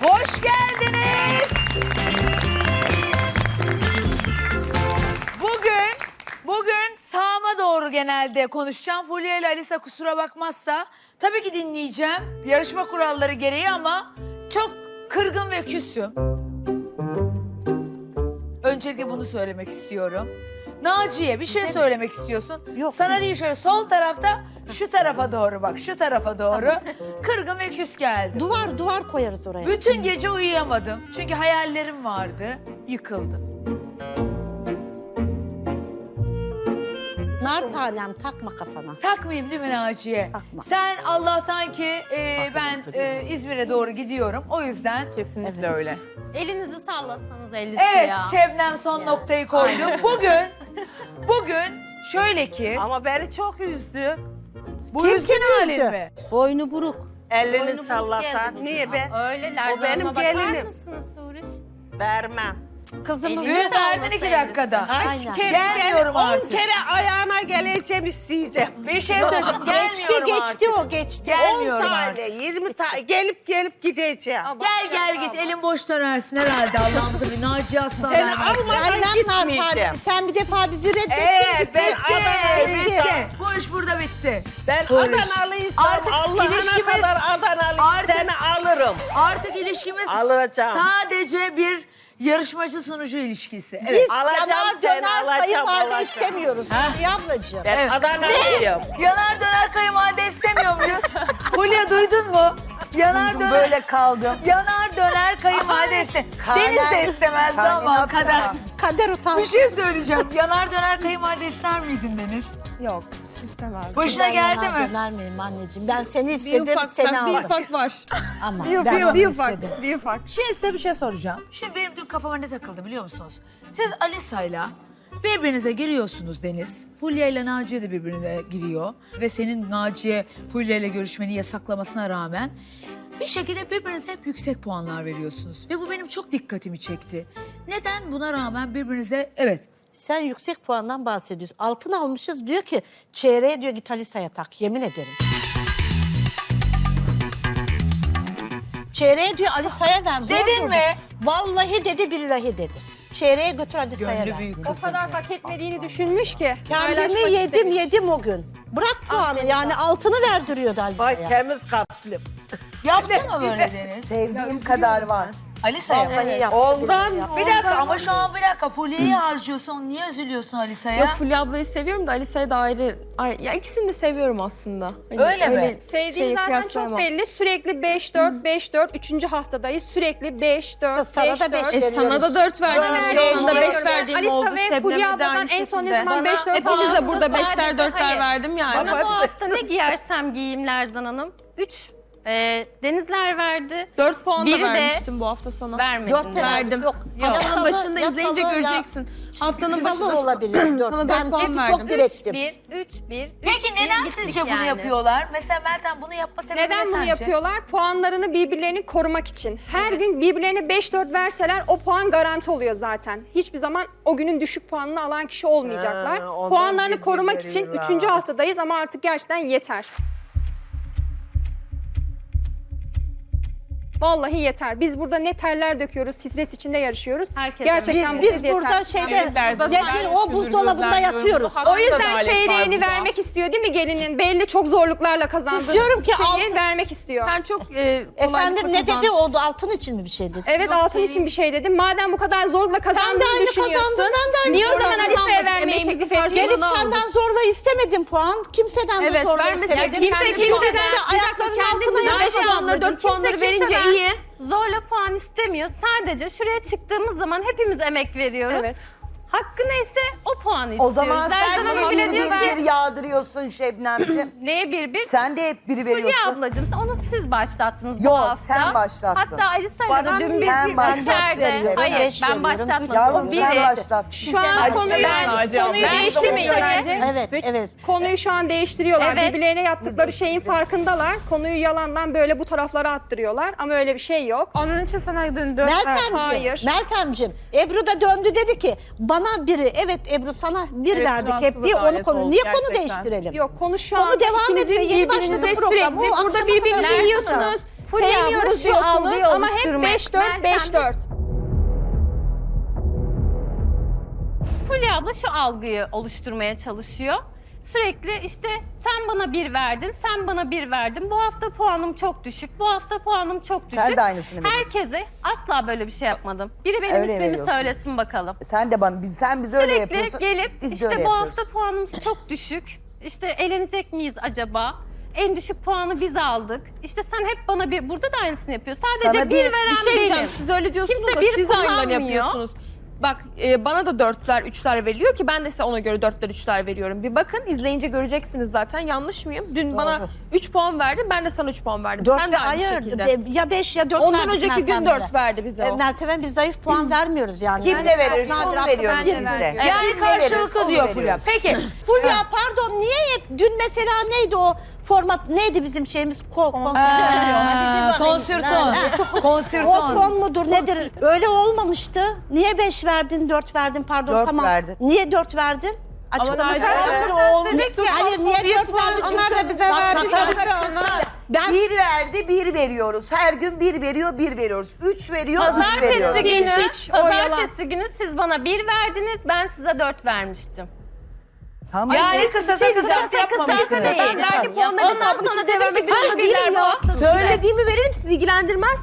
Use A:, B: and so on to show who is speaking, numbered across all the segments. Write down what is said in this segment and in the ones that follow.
A: Hoş geldiniz. Bugün sağıma doğru genelde konuşacağım. Fulya ile Alisa kusura bakmazsa tabii ki dinleyeceğim. Yarışma kuralları gereği ama çok kırgın ve küsüm. Öncelikle bunu söylemek istiyorum. Naciye bir şey söylemek istiyorsun.
B: Yok.
A: Sana değil şöyle sol tarafta şu tarafa doğru bak şu tarafa doğru. Kırgın ve küs geldim.
B: Duvar koyarız oraya.
A: Bütün gece uyuyamadım. Çünkü hayallerim vardı. Yıkıldım.
B: Nar tanem takma kafana.
A: Takmayayım değil mi Naciye?
B: Takma.
A: Sen Allah'tan ki ben İzmir'e doğru gidiyorum. O yüzden
C: Kesinlikle öyle.
D: Elinizi sallasanız 50
A: evet
D: ya.
A: Şebnem son noktayı koydu. Bugün şöyle ki
C: Ama beni çok üzdü.
A: bu üzgün halin mi?
B: Boynu buruk.
C: Elini sallasan. Niye be?
D: Öyle Lerzan
C: O benim
D: Hanım'a bakar
C: gelinim.
D: mısınız Huriş?
C: Vermem.
B: Kızımız
D: Elini
A: Düğün verdin 2 dakikada.
B: Aynen.
A: Gelmiyorum
C: 10
A: artık.
C: kere ayağına geleceğim isteyeceğim.
A: Bir şey söyleyeceğim. Gelmiyorum artık.
B: Geçti.
A: Gelmiyorum
C: 10 tane,
A: artık.
C: 20 tane gelip gideceğim.
A: Gel git elin boş dönersin herhalde Allah'ım tabii. Naciye asla
C: Seni
A: vermez.
C: almadan gitmeyeceğim.
B: Sen bir defa bizi reddettin.
C: Evet ben
A: Bitti.
C: Adana'lıysam,
A: Bu iş burada bitti.
C: ben
A: Huriş.
C: Adanalıysam
A: Artık
C: Allah'ına
A: ilişkimiz-
C: kadar Adanalıyım
A: Artık-
C: seni alırım.
A: Artık ilişkimiz
C: Alacağım.
A: sadece bir yarışmacı sunucu ilişkisi. Evet.
C: Alacağım
B: Yanar
C: seni
B: döner
C: alacağım.
B: kayınvalide
C: alacağım.
B: istemiyoruz.
A: Ha?
B: Hülya ablacığım.
C: Ben
A: Evet.
C: Adanalıyım.
A: Yanar döner kayınvalide istemiyor muyuz? Fulya duydun mu? Yanar döner.
E: Böyle kaldım.
A: Yanar döner kayınvalide istemiyor. Deniz de istemezdi ama
E: Kainat
A: kader.
E: ya.
B: Kader utan.
A: Bir şey söyleyeceğim. Yanar döner kayınvalide ister miydin Deniz?
F: Yok, istemez.
A: Başına geldi mi?
B: Döner miyim anneciğim? Ben seni
F: Bir
B: istedim,
F: ufak,
B: seni
F: bak, bir
B: aldım.
F: ufak var.
B: Ama
F: Bir
B: ben onu
F: ufak,
B: istedim.
F: bir ufak.
A: Şimdi size bir şey soracağım. Şimdi benim dün kafama ne takıldı biliyor musunuz? Siz Alisa'yla birbirinize giriyorsunuz Deniz. Fulya ile Naciye de birbirine giriyor. Ve senin Naciye Fulya ile görüşmeni yasaklamasına rağmen bir şekilde birbirinize hep yüksek puanlar veriyorsunuz. Ve bu benim çok dikkatimi çekti. Neden buna rağmen birbirinize evet
B: Sen yüksek puandan bahsediyorsun. Altın almışız diyor ki çeyreğe diyor git Alisa'ya tak. Yemin ederim. Çeyreğe diyor Alisa'ya ver. Zor
A: Dedin
B: durdu.
A: mi?
B: Vallahi dedi billahi dedi. Çeyreğe götür Alisa'ya
A: gönlü
B: ver.
A: büyük
F: O
A: kızım.
F: kadar hak etmediğini düşünmüş ki.
B: Kendimi
F: paylaşmak istemiş.
B: yedim o gün. Bırak puanı yani altını verdiriyordu
C: Vay
B: Alisa'ya.
C: temiz kalplim.
A: Yaptın mı böyle Deniz?
E: Sevdiğim kadar var.
A: Alisa'ya mı?
B: Vallahi yaptı.
C: Ondan
A: Bir dakika ama şu an bir dakika Fulya'yı harcıyorsun. Niye üzülüyorsun Alisa'ya?
G: Yok Fulya ablayı seviyorum da Alisa'yı da ayrı. Ya ikisini de seviyorum aslında. Hani
A: Öyle mi?
F: Sevdiğim
G: şeyi
F: zaten
G: kıyaslayamam.
F: çok belli. Sürekli 5-4, 5-4. 3. haftadayız. Sürekli 5-4,
B: Sana da
F: 5-4.
B: beş
G: Sana da 4 verdim.
F: Verdim.
G: Sana da 5
F: Veriyorum.
G: verdiğim
F: Alisa
G: oldu.
F: ve
G: Şebnem'e
F: Fulya
G: de
F: abladan
G: aynı
F: en son ne
G: şekilde.
F: zaman 5-4
G: Hepiniz de burada
D: Sadece
G: 5'ler 4'ler
D: hayır.
G: verdim yani.
D: Bana bu hafta ne giyersem giyeyim Lerzan Hanım. 3 Denizler verdi.
G: 4 puan da
D: Biri de
G: vermiştim bu hafta sana.
D: Vermedim.
B: Dört
G: Verdim.
B: Yok.
G: Haftanın
B: Yasalı-
G: başında izleyince
B: yasalı ya.
G: göreceksin. Haftanın
B: Yasalı
G: başında
B: olabilir. Dört.
G: sana 4
B: Ben
G: puan
B: çünkü
G: verdim.
B: çok direktim.
D: 3-1.
A: Peki neden sizce bunu yapıyorlar? Mesela Meltem bunu yapma sebebi
F: Neden
A: ne
F: bunu
A: sence?
F: yapıyorlar? Puanlarını birbirlerini korumak için. Her gün birbirlerine 5-4 verseler o puan garanti oluyor zaten. Hiçbir zaman o günün düşük puanını alan kişi olmayacaklar.
C: Ha, ondan
F: Puanlarını korumak
C: birbirleri
F: için
C: var.
F: 3. haftadayız ama artık gerçekten yeter. Vallahi yeter. Biz burada ne terler döküyoruz, stres içinde yarışıyoruz.
D: Herkes
F: Gerçekten bu
B: Biz
F: kez yeter.
B: burada şeyde
G: Burada
B: nedir o buzdolabında yatıyoruz.
F: O yüzden çeyreğini vermek istiyor değil mi gelinin? Belli çok zorluklarla kazandığı
B: Diyorum ki
F: şeyi
B: altın-
F: vermek istiyor.
G: Sen çok
B: Efendim ne dedi oldu altın için mi bir şey dedi?
F: Evet altın için bir şey dedim. Madem bu kadar zorla kazandığını
B: aynı
F: düşünüyorsun.
B: kazandın, ben de aynı
F: Niye o zaman
B: kazandım.
F: Alisa'ya vermeyi
G: Emeğimizin
F: teklif ediyorsun?
G: karşılığını
B: Gelip
G: aldık.
B: senden zorla istemedim puan. Kimseden de
G: Evet
B: zorla
G: vermeseydin.
B: istemedim.
F: Kimse kimseden
B: ayaklarının
G: Kendin
B: altına
G: bize 5
B: yapmadan
G: puanları 4 puanları verince
D: kimseden
G: iyi.
D: Zorla puan istemiyor. Sadece şuraya çıktığımız zaman hepimiz emek veriyoruz.
F: Evet.
D: Hakkı neyse o puanı
E: O
D: istiyoruz.
E: zaman
D: Lerzan
E: sen
D: Hanım
E: bana
D: bile
E: bir
D: diyor
E: bir
D: ki
E: yağdırıyorsun Şebnemciğim.
D: neye bir?
E: Sen de hep biri
D: Fulya
E: veriyorsun.
D: ablacığım onu siz başlattınız
E: Yo,
D: bu hafta.
E: sen başlattın.
D: Hatta Alisa'yla da
E: Bana
D: dün
E: sen
D: biz
E: başlattın.
D: içeride. Hayır
B: Beş
D: ben
B: veriyorum.
D: başlatmadım.
E: Yavrum
D: O
E: sen
D: biri.
E: başlattın.
F: Şu an
E: Ali
F: konuyu
C: Ben-
F: değiştirmeyin
D: Ben-
F: bence.
B: Evet.
F: Konuyu şu an değiştiriyorlar.
D: Evet.
F: Birbirlerine yaptıkları şeyin farkındalar. Konuyu yalandan böyle bu taraflara attırıyorlar. Ama öyle bir şey yok.
C: Onun için sana dün 4
F: Hayır.
B: Meltemciğim, Ebru da döndü dedi ki bana biri, evet Ebru sana bir
C: Evet,
B: verdik hep
C: Fransız
B: diye onu
C: ailesi
B: konu.
C: oldu
B: Niye konu
C: gerçekten.
B: değiştirelim?
F: Yok konu şu
B: Konu
F: an
B: devam
F: ikinizin
B: etmiyor. Yeni
F: birbirinize
B: başladı program.
F: sürekli
B: O
F: burada
B: akşama
F: birbirinizi
B: kadar
F: yiyorsunuz.
D: Fulya abla
F: Sevmiyoruz
D: şu
F: diyorsunuz
D: algıyı
F: ama hep
D: oluşturmaya-
F: 5-4,
D: Meltem,
F: 5-4.
D: Fulya abla şu algıyı oluşturmaya çalışıyor. Sürekli işte sen bana 1 verdin, sen bana 1 verdin. Bu hafta puanım çok düşük, bu hafta puanım çok düşük.
E: Sen de aynısını veriyorsun.
D: Herkese asla böyle bir şey yapmadım. Biri benim
E: Öyle
D: ismimi
E: veriyorsun.
D: söylesin bakalım.
E: Sen de bana, sen bize öyle yapıyorsun.
D: Sürekli gelip
E: biz de
D: işte
E: öyle
D: bu
E: yapıyoruz.
D: hafta puanımız çok düşük. İşte eğlenecek miyiz acaba? En düşük puanı biz aldık. İşte sen hep bana bir, burada da aynısını yapıyor. Sadece
E: Sana
D: bir
E: bir
D: veren
G: Bir şey diyeceğim,
D: benim.
G: siz öyle diyorsunuz
D: Kimse
G: da
D: bir
G: siz aynılarını
D: kullanmıyor.
G: yapıyorsunuz. Bak bana da 4'ler, 3'ler veriliyor ki ben de size ona göre 4'ler, 3'ler veriyorum. Bir bakın izleyince göreceksiniz zaten, yanlış mıyım? Dün bana 3 puan verdin, ben de sana 3 puan verdim.
B: 4
G: Sen
B: ve
G: de aynı
B: hayır,
G: şekilde.
B: ya 5 ya 4
G: Ondan
B: verdik
G: önceki gün
B: Meltem'e.
G: 4 verdi bize o.
B: Meltem'e biz zayıf puan vermiyoruz yani.
E: Kim ne verirse
B: Nadir
E: onu
B: haklı,
E: veriyoruz
B: ben de
E: biz de.
B: veriyorum.
A: Yani
E: Kim ne verirse
A: karşılıklı
E: onu
A: diyor Fulya.
E: veriyoruz.
A: Peki.
B: Fulya pardon niye hep dün mesela neydi o format neydi bizim şeyimiz
A: Tonsürton.
B: O
A: Konsürton.
B: kon mudur nedir? Öyle olmamıştı. Niye 5 verdin 4 verdin pardon
E: 4
B: tamam.
E: verdim.
B: Niye 4 verdin?
G: Ama
B: Açıklaması
G: Nadir
B: var.
G: olmuştu.
B: Hayır niye 4 verdin?
C: Onlar da bize verdi.
B: Ben
E: Bir verdi, bir veriyoruz. Her gün bir veriyor, bir veriyoruz. 3 veriyor, 3
D: Pazartesi
E: veriyoruz.
D: günü,
F: Hiç, o yalan.
D: pazartesi günü siz bana 1 verdiniz, ben size 4 vermiştim.
E: Tamam.
A: Yani kısasa kısas
D: Kısasa
A: yapmamışsınız.
D: değil.
G: Ben belki puanların
D: Ondan
G: hesabını
D: sonra
G: çizerim
D: dedim
G: ki
D: ki bütün birler bu hafta.
A: Söyle.
G: İstediğimi veririm, sizi ilgilendirmez.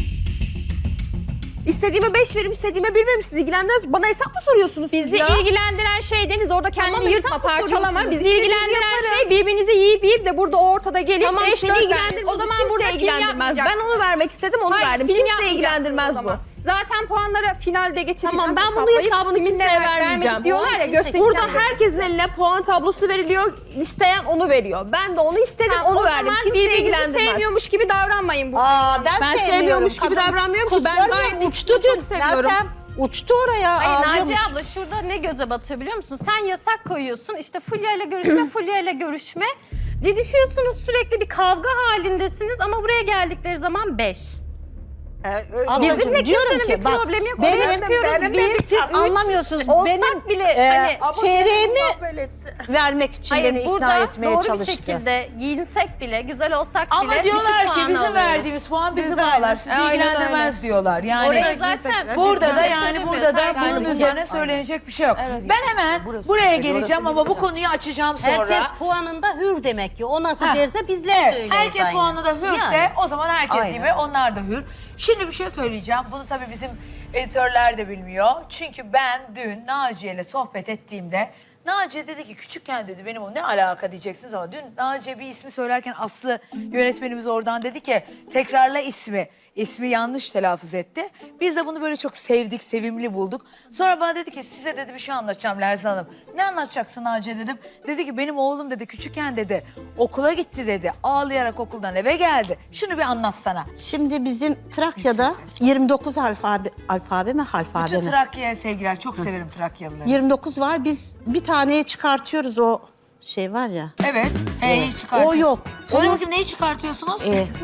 G: İstediğime 5 veririm, istediğime 1 veririm, sizi ilgilendirmez. Bana hesap mı soruyorsunuz siz
F: Bizi
G: ya?
F: ilgilendiren şey Deniz orada kendini
G: Tamam,
F: yırtma
G: hesap mı
F: parçalama.
G: soruyorsunuz?
F: Bizi
G: İstediğimi
F: ilgilendiren
G: yaparım.
F: şey birbirinizi yiyip de burada ortada gelip
G: Tamam
F: 5-4
G: seni ilgilendirmez.
F: O zaman
G: kimse
F: burada film
G: ilgilendirmez.
F: yapmayacaksın.
G: Ben onu vermek istedim, onu
F: Hayır,
G: verdim.
F: film
G: Kimse
F: yapmayacaksın
G: ilgilendirmez
F: o
G: bu.
F: zaman. Zaten puanları finalde geçireceğim.
G: Tamam, ben bunun
F: hesaplayıp
G: hesabını
F: kimin
G: kimseye
F: ne verdik,
G: vermeyeceğim.
F: vermedik diyorlar ya göstereceğim.
G: Burada herkesin eline puan tablosu veriliyor. İsteyen onu veriyor. Ben de onu istedim,
F: Tamam,
G: onu
F: o
G: verdim.
F: zaman
G: Kimse
F: birbirinizi
G: ilgilendirmez.
F: sevmiyormuş gibi davranmayın bu.
B: Aa,
G: Ben sevmiyormuş gibi
B: Kadın
G: davranmıyorum ki.
B: kız
G: Ben
B: görmüyor
G: gayet
B: musun?
G: uçtu çok seviyorum.
B: Meltem uçtu oraya
D: Hayır
B: ağlıyormuş.
D: Naciye abla şurada ne göze batıyor biliyor musun? Sen yasak koyuyorsun. İşte Fulya ile görüşme, Fulya ile görüşme. Didişiyorsunuz, sürekli bir kavga halindesiniz ama buraya geldikleri zaman 5.
B: Ablacığım,
D: Bizimle
B: diyorum
D: kimsenin
B: ki,
D: bir
B: bak,
D: problemi yok.
B: benim-
D: Oraya çıkıyoruz.
E: benim
D: Bir,
E: dedik,
B: Siz
D: üç.
B: anlamıyorsunuz.
D: Olsak
B: Benim
D: bile hani
B: çeyreğimi vermek için beni ikna
D: burada
B: etmeye
D: doğru
B: çalıştı.
D: bir şekilde giyinsek bile, güzel olsak
A: Ama
D: bile
A: diyorlar
D: düşük
A: ki
D: puan
A: bizim
D: alıyoruz.
A: verdiğimiz puan bizi bağlar. Sizi
G: Aynen
A: ilgilendirmez diyorlar. Yani
D: Oraya zaten
A: burada da
D: Bize
A: yani
D: söylemiyor,
A: burada da
D: saygı
A: bunun
D: duyuyor.
A: üzerine söylenecek bir şey yok. Ben hemen buraya geleceğim ama bu konuyu açacağım sonra.
H: Herkes puanında hür demek ki. O nasıl
A: Heh.
H: derse bizler de
A: Evet,
H: öyle.
A: herkes puanında hürse
H: Yani.
A: o zaman herkes
E: Aynen.
A: gibi onlar da hür. Şimdi bir şey söyleyeceğim. Bunu tabii bizim editörler de bilmiyor. Çünkü ben dün Naciye ile sohbet ettiğimde Naciye dedi ki küçükken dedi benim o ne alaka diyeceksiniz ama dün Naciye bir ismi söylerken Aslı yönetmenimiz oradan dedi ki tekrarla ismi. İsmi yanlış telaffuz etti. Biz de bunu böyle çok sevdik, sevimli bulduk. Sonra bana dedi ki size dedi bir şey anlatacağım Lerzan Hanım. Ne anlatacaksın Naciye dedim. Dedi ki benim oğlum dedi küçükken dedi okula gitti dedi. Ağlayarak okuldan eve geldi. Şunu bir anlatsana.
B: Şimdi bizim Trakya'da 29 alfabe mi halfabe
A: Bütün
B: mi?
A: Trakya'ya sevgiler. Çok severim Trakyalıları.
B: 29 var. Biz bir taneye çıkartıyoruz o şey var ya.
A: Evet. H'yi çıkartıyorsun.
B: O yok.
A: Söyle
B: Onu-
A: bakayım neyi çıkartıyorsunuz?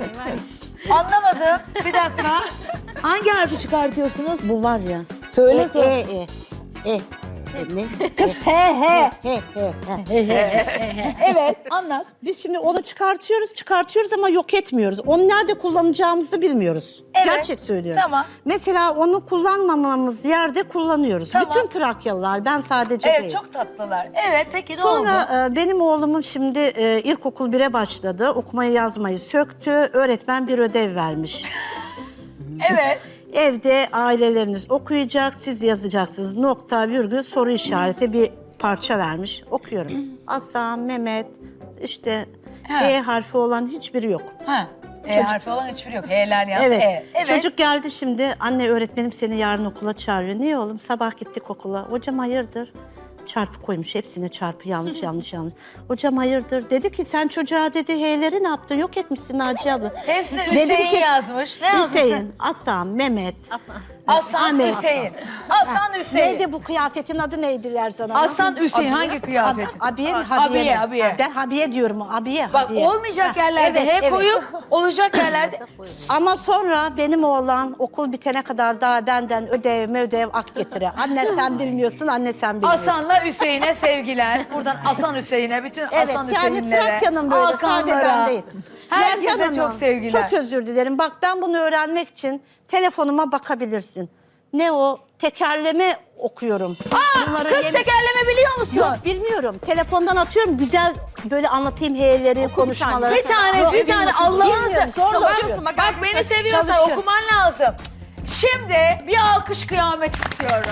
B: Anlamadım.
A: Bir dakika. Hangi harfi çıkartıyorsunuz?
B: Bu var ya.
A: Söyle
B: Ne?
A: Kız he.
B: He.
A: Evet anlat.
B: Biz şimdi onu çıkartıyoruz ama yok etmiyoruz. Onu nerede kullanacağımızı bilmiyoruz.
A: Evet.
B: Gerçek söylüyorum.
A: Tamam.
B: Mesela onu kullanmamamız yerde kullanıyoruz.
A: Tamam.
B: Bütün Trakyalılar, ben sadece
A: Evet
B: değil.
A: çok tatlılar. Evet peki ne oldu?
B: Sonra benim oğlumun şimdi ilkokul 1'e başladı. Okumayı yazmayı söktü. Öğretmen bir ödev vermiş.
A: Evet.
B: Evde aileleriniz okuyacak, siz yazacaksınız. Nokta, virgül, soru işareti bir parça vermiş. Okuyorum. Hasan, Mehmet, işte
A: Ha.
B: E harfi olan hiçbiri yok.
A: Ha. Harfi olan hiçbiri yok. H'ler yalnız
B: Evet.
A: E. Evet.
B: Çocuk geldi şimdi. Anne öğretmenim seni yarın okula çağırıyor. Niye oğlum? Sabah gittik okula. Hocam hayırdır? Çarpı koymuş. Hepsine çarpı yanlış. Hocam hayırdır? Dedi ki sen çocuğa dedi H'leri ne yaptın? Yok etmişsin Naciye abla.
A: Hepsini
B: Dedim
A: Hüseyin
B: ki,
A: yazmış. Ne yazmışsın?
B: Hüseyin, Hasan, Mehmet.
A: Hasan
B: Ahmet.
A: Hüseyin. Hasan Hüseyin.
B: Neydi bu kıyafetin adı neydi Lerzan Hanım?
A: Hasan Hüseyin hangi kıyafeti?
B: Abiye mi? Habiye mi?
A: Abiye.
B: Ben Habiye diyorum. Abiye.
A: Bak
B: Habiye.
A: olmayacak
B: Ha,
A: yerlerde
B: evet,
A: H koyup olacak yerlerde.
B: Ama sonra benim oğlan okul bitene kadar daha benden ödev ak getire. Anne sen bilmiyorsun, anne sen bilmiyorsun.
A: Hasan'la Hüseyin'e sevgiler. Buradan Hasan Hüseyin'e, bütün
B: Evet,
A: Hasan
B: yani
A: Hüseyin'lere,
B: Trakya'nın böyle, sadece ben değil.
A: Herkese
B: Hanım,
A: çok sevgiler.
B: Çok özür dilerim. Bak ben bunu öğrenmek için telefonuma bakabilirsin. Ne o? Tekerleme okuyorum. Bunları
A: Kız tekerleme biliyor musun?
B: Yok bilmiyorum. Telefondan atıyorum. Güzel böyle anlatayım heyleri, konuşmaları.
A: Bir tane,
B: Yok,
A: bir tane
B: bilmiyorum.
A: Allah'ınızı.
B: Zorla
G: Çalışıyorsun,
B: okuyorum.
A: Bak beni seviyorsan
B: Çalışır.
A: okuman lazım. Şimdi bir alkış kıyamet istiyorum.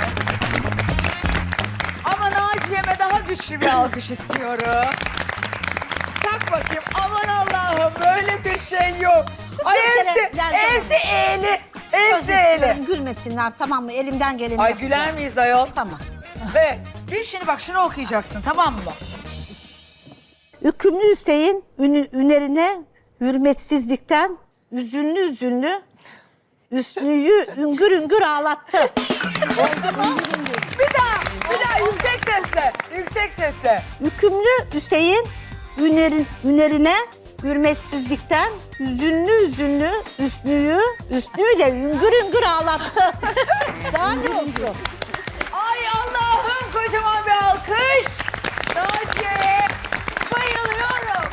A: Ama Naciye'me daha güçlü bir alkış istiyorum. Tak bakayım. Aman Allah'ım böyle bir şey yok. Ay evsi eğli. Evsi eğli.
B: Gülmesinler tamam mı? Elimden geleni
A: Ay
B: yapacağım.
A: güler miyiz ayol?
B: Tamam.
A: Ve bir şimdi bak şunu okuyacaksın tamam mı?
B: Hükümlü Hüseyin ünerine hürmetsizlikten üzünlü Hüsnü'yü üngür üngür ağlattı. Oldu mu?
A: Bir daha yüksek sesle. Yüksek sesle.
B: Hükümlü Hüseyin ünerine hürmetsizlikten üzünlü Hüsnü'yle üngür üngür ağlattı. Daha ne olsun?
A: Ay Allah'ım kocaman bir alkış. Naciye'ye bayılıyorum.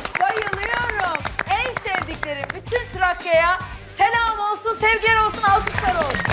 A: Bayılıyorum. En sevdiklerim bütün Trakya'ya selam olsun, sevgiler olsun, alkışlar olsun.